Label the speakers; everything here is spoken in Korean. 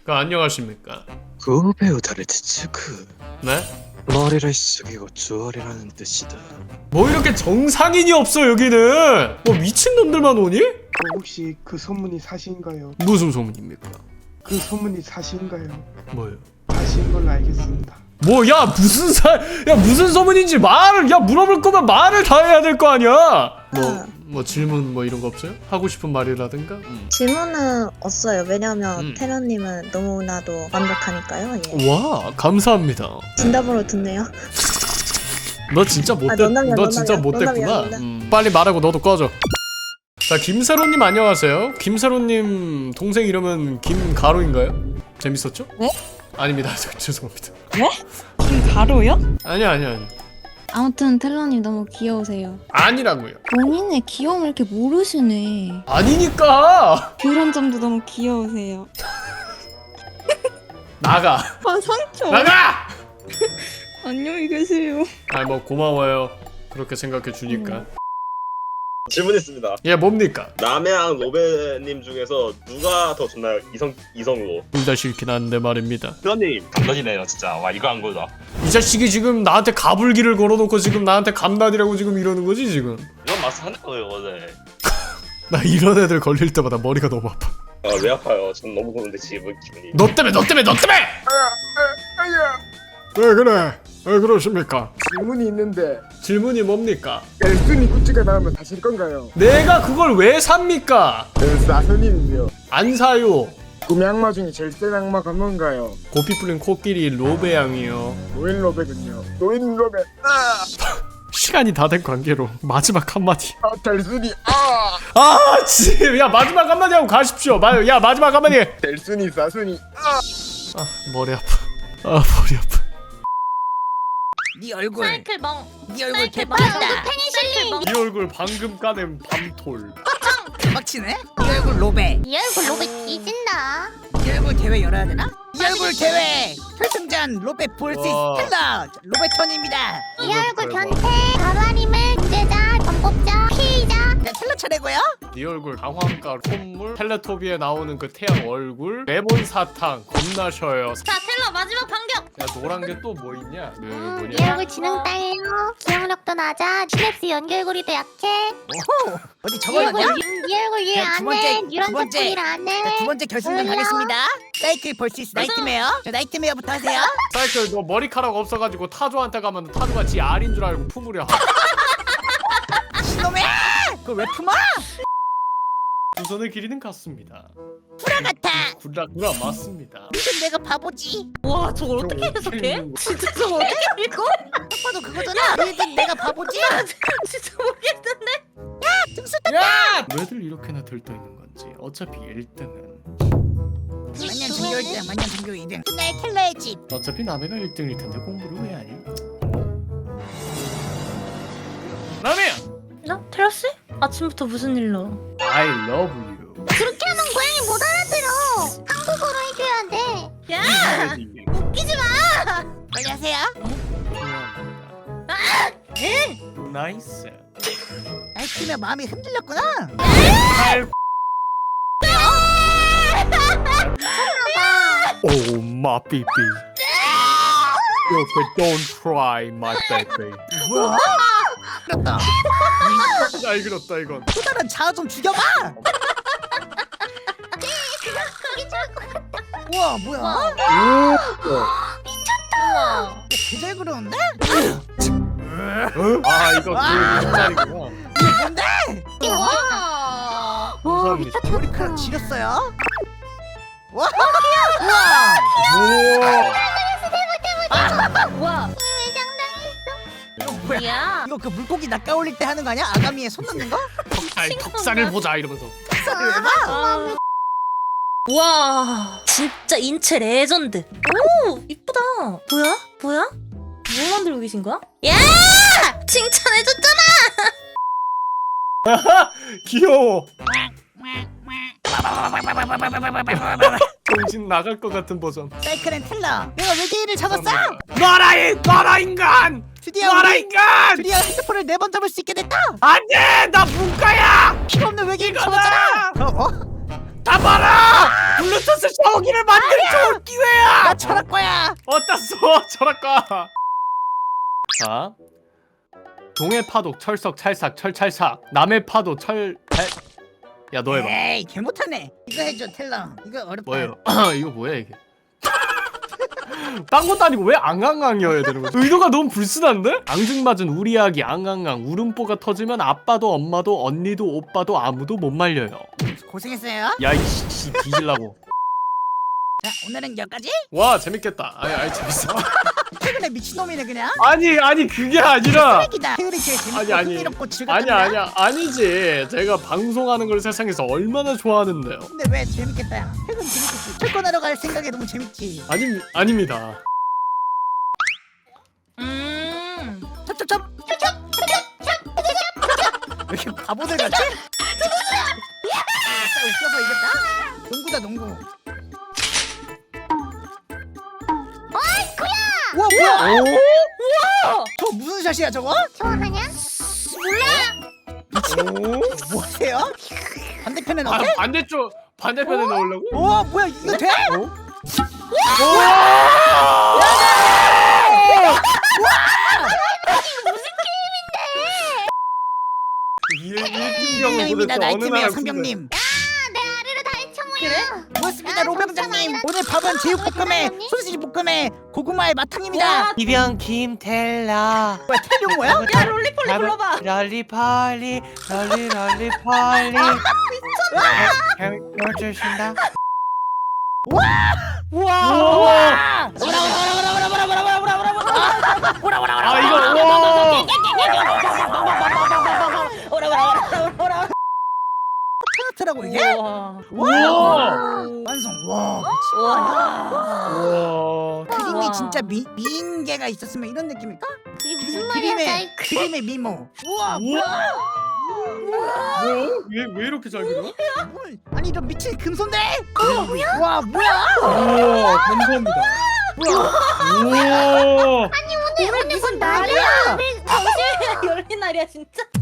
Speaker 1: 안녕하십니까.
Speaker 2: 구배우 다르츠크.
Speaker 1: 네?
Speaker 2: 머리를 숙이고 주얼이라는 뜻이다.
Speaker 1: 뭐 이렇게 정상인이 없어 여기는. 뭐 미친놈들만 오니?
Speaker 3: 혹시 그 소문이 사실인가요?
Speaker 1: 무슨 소문입니까?
Speaker 3: 그 소문이 사실인가요?
Speaker 1: 뭐요?
Speaker 3: 사실인 걸로 알겠습니다.
Speaker 1: 뭐야 무슨 소문인지 말을 물어볼 거면 말을 다 해야 될 거 아니야. 뭐 질문 뭐 이런 거 없어요? 하고 싶은 말이라든가?
Speaker 4: 질문은 없어요. 왜냐면 테러님은 너무나도 완벽하니까요. 예.
Speaker 1: 와 감사합니다.
Speaker 4: 진담으로 듣네요.
Speaker 1: 너 진짜 못됐.
Speaker 4: 농담이야,
Speaker 1: 너 진짜
Speaker 4: 농담이야,
Speaker 1: 못됐구나. 빨리 말하고 너도 꺼져. 자 김세로님 안녕하세요. 김세로님 동생 이름은 김가로인가요? 재밌었죠?
Speaker 5: 네?
Speaker 1: 아닙니다. 죄송합니다.
Speaker 5: 네? 김가로요?
Speaker 1: 아니야.
Speaker 5: 아무튼 텔러님 너무 귀여우세요.
Speaker 1: 아니라고요.
Speaker 5: 본인의 귀여움을 이렇게 모르시네.
Speaker 1: 아니니까.
Speaker 5: 그런 점도 너무 귀여우세요.
Speaker 1: 나가.
Speaker 5: 아 상처.
Speaker 1: 나가.
Speaker 5: 안녕히 계세요.
Speaker 1: 아 뭐 고마워요. 그렇게 생각해 주니까.
Speaker 6: 질문 있습니다.
Speaker 1: 예 뭡니까?
Speaker 6: 남해랑 로베님 중에서 누가 더 좋나요? 이성으로.
Speaker 1: 둘 다 싫긴 한데 말입니다.
Speaker 6: 회원님 감던이네요 진짜. 와 이거 한 거다.
Speaker 1: 이 자식이 지금 나한테 가불기를 걸어놓고 지금 나한테 감난이라고 지금 이러는 거지 지금.
Speaker 6: 이건 마스 하는 거예요 원래.
Speaker 1: 나 이런 애들 걸릴 때마다 머리가 너무 아파.
Speaker 6: 아 왜 아파요? 전 너무 좋은데 지금 기분이.
Speaker 1: 너 때문에. 왜 그래? 왜 그러십니까?
Speaker 3: 질문이 있는데
Speaker 1: 질문이 뭡니까?
Speaker 3: 엘순이 굿즈가 나오면 사실 건가요?
Speaker 1: 내가 그걸 왜 삽니까?
Speaker 3: 사선님이요.
Speaker 1: 안 사요.
Speaker 3: 꿈의 악마 중에 제일 센 악마가 뭔가요?
Speaker 1: 고삐 풀린 코끼리 로베양이요.
Speaker 3: 노인 로베군요. 노인 로베.
Speaker 1: 시간이 다 된 관계로 마지막 한마디.
Speaker 3: 델순이.
Speaker 1: 야 마지막 한마디 하고 가십시오. 야 마지막 한마디.
Speaker 3: 델순이 사순이.
Speaker 1: 머리 아파. 머리 아파.
Speaker 7: 네 얼굴
Speaker 8: 사이클 멍.
Speaker 7: 네 얼굴
Speaker 8: 사이클
Speaker 7: 개빡이다.
Speaker 8: 페니실린.
Speaker 1: 이 얼굴 방금 까낸 밤톨.
Speaker 7: 개빡치네. 네 얼굴 로베.
Speaker 8: 이 얼굴 로봇 뒤진다.
Speaker 7: 네 얼굴 대회 열어야 되나? 이 얼굴 대회 결승전 로베 볼스
Speaker 1: 와.
Speaker 7: 스텔라 로베톤입니다.
Speaker 8: 이 얼굴 변태. 가만임을 문제자, 전복자, 피의자.
Speaker 7: 네, 텔라 차례고요.
Speaker 1: 네 얼굴 강황가 콧물 텔레토비에 나오는 그 태양 얼굴 레몬 사탕 겁나 쉬어요.
Speaker 8: 자, 텔러 마지막 반격.
Speaker 1: 야 노란 게 또 뭐 있냐? 그
Speaker 8: 이
Speaker 1: 뭐냐?
Speaker 8: 얼굴 지능 딸려. 기억력도 낮아. 시냅스 연결고리도 약해.
Speaker 7: 오호 어디
Speaker 8: 이
Speaker 7: 적어놨냐?
Speaker 8: 얼굴 이 얼굴 일
Speaker 7: 자, 두
Speaker 8: 안
Speaker 7: 번째,
Speaker 8: 해.
Speaker 7: 두
Speaker 8: 유런
Speaker 7: 번째.
Speaker 8: 스포일 안 해.
Speaker 7: 자, 두 번째 결승전
Speaker 8: 몰라.
Speaker 7: 가겠습니다. 사이클 볼스 나이트메어. 자, 나이트메어부터 하세요.
Speaker 1: 사이클 너 머리카락 없어가지고 타조한테 가면 타조가 지 알인 줄 알고 품으려.
Speaker 7: 신놈의 그걸 왜 품어?
Speaker 1: 두 손의 길이는 같습니다.
Speaker 7: 구라 같아.
Speaker 1: 구라 맞습니다.
Speaker 7: 무슨 내가 바보지?
Speaker 8: 와, 저걸 어떻게 해석해? 진짜 저걸 어떻게 읽어?
Speaker 7: 딱 봐도 그거잖아. 너희들 내가 바보지?
Speaker 8: 진짜 모르겠는데.
Speaker 7: 등수
Speaker 1: 야! 왜들 이렇게나 들떠 있는 건지. 어차피 1등은
Speaker 7: 만년 전교 1등, 만년 전교 2등. 그날 텔라의 집.
Speaker 1: 어차피 남해가 1등일 텐데 공부를 왜 하니? 남해야!
Speaker 8: 너 테러스? 아침부터 무슨 일로?
Speaker 1: I love you.
Speaker 8: 그렇게 하면 고양이 못 알아들어. 한국어로 해줘야 돼. 야, 웃기지 마.
Speaker 7: 빨리 하세요.
Speaker 1: 좋아합니다. 나이스.
Speaker 7: 나이트메어 마음이 흔들렸구나.
Speaker 1: Oh my baby. Don't cry my baby.
Speaker 7: 뭐야? 그렇다.
Speaker 1: 잘 그렸다 이건.
Speaker 7: 또 다른 자아 좀 죽여봐.
Speaker 8: 그게 좋을 것 같아.
Speaker 7: 우와 뭐야?
Speaker 8: 우와.
Speaker 7: 개잘 그러는데?
Speaker 1: 아 이거 그 뒷자리구나.
Speaker 7: 이게 뭔데?
Speaker 8: 와.
Speaker 1: 감사합니다.
Speaker 7: 머리카락 지렸어요? 와!
Speaker 8: 와.
Speaker 7: 이거 뭐야?
Speaker 8: 야.
Speaker 7: 이거 그 물고기 낚아올릴 때 하는 거 아니야? 아가미에 손 넣는 거?
Speaker 1: 아니 턱살을 보자 이러면서.
Speaker 7: 턱살을 왜 봐?
Speaker 8: 와, 진짜 인체 레전드. 오, 이쁘다. 뭐야? 뭐야? 뭐 만들고 계신 거야? 야! 칭찬해줬잖아.
Speaker 1: 귀여워. 정신 나갈 것 같은 버전.
Speaker 7: 사이클 앤 텔러 내가 외계인을 잡았어!
Speaker 1: 놔라 인간!
Speaker 7: 드디어
Speaker 1: 놔라 인간!
Speaker 7: 드디어 핸드폰을 4번 잡을 수 있게 됐다!
Speaker 1: 안돼! 나 문과야!
Speaker 7: 필요 없는 외계인
Speaker 1: 이거다!
Speaker 7: 잡았잖아! 어?
Speaker 1: 다 봐라! 블루투스 샤워기를 만들 좋은 기회야!
Speaker 7: 나 철학과야.
Speaker 1: 어땠어? 철학과. 자, 동해 파도 철석 찰싹 철찰삭, 남해 파도 야 너 해봐.
Speaker 7: 에이 개 못하네. 이거 해줘 텔러. 이거 어렵다.
Speaker 1: 뭐예요? 이거 뭐야 이게? 딴 것도 아니고 왜 앙앙앙이어야 되는 거지? 의도가 너무 불순한데? 앙증맞은 우리 아기 앙앙앙 울음보가 터지면 아빠도 엄마도 언니도 오빠도 아무도 못 말려요.
Speaker 7: 고생했어요.
Speaker 1: 야 이씨 뒤질라고.
Speaker 7: 자 오늘은 여기까지.
Speaker 1: 와 재밌겠다. 아니 재밌어.
Speaker 7: 최근에 미친놈이네 그냥.
Speaker 1: 아니 그게 아니라.
Speaker 7: 쓰레기다. 태율이 제일 재밌고
Speaker 1: 아니.
Speaker 7: 흥미롭고 즐겁다.
Speaker 1: 아니야 아니지. 제가 방송하는 걸 세상에서 얼마나 좋아하는데요.
Speaker 7: 근데 왜 재밌겠다. 퇴근 재밌겠지. 출근하러 갈 생각에 너무 재밌지.
Speaker 1: 아닙니다.
Speaker 7: 첩첩첩. 왜 이렇게 바보들 같지? 진짜 웃겨서 이겼다. 농구다 농구. 우와 뭐야? 우와! 저 무슨 샷이야 저거?
Speaker 8: 좋아하냐?
Speaker 7: 뭐 하세요? 반대편에 넣게?
Speaker 1: 반대편에 넣으려고?
Speaker 7: 우와 뭐야 이거 돼? 상병입니다 나이트메어 상병님.
Speaker 8: 내 아래로 다 해쳐모여.
Speaker 7: 고맙습니다 로병장님. 오늘 밥은 제육볶음에 소시지 볶음에 고구마에 마탕입니다.
Speaker 9: 이병 김텔라
Speaker 7: 뭐야 텔룡 뭐야?
Speaker 5: 야 롤리폴리 불러봐.
Speaker 9: 럴리펄리 럴리펄리 별 주신다.
Speaker 1: 우와! 아 이거 와!
Speaker 7: 트라고 이게?
Speaker 1: 우와!
Speaker 7: 완성. 와
Speaker 1: 우와!
Speaker 7: 그림이 진짜 미인계가 있었으면 이런 느낌일까?
Speaker 8: 이게 무슨 말이야, 짤?
Speaker 7: 그림의 미모. 우와
Speaker 1: 왜 이렇게 잘 그려?
Speaker 7: 뭘? 아니 이런 미친 금손들! 와 뭐야?
Speaker 1: 우와 감사합니다. 우와!
Speaker 8: 오늘 무슨 날이야?
Speaker 5: 당신 열린 날이야 진짜.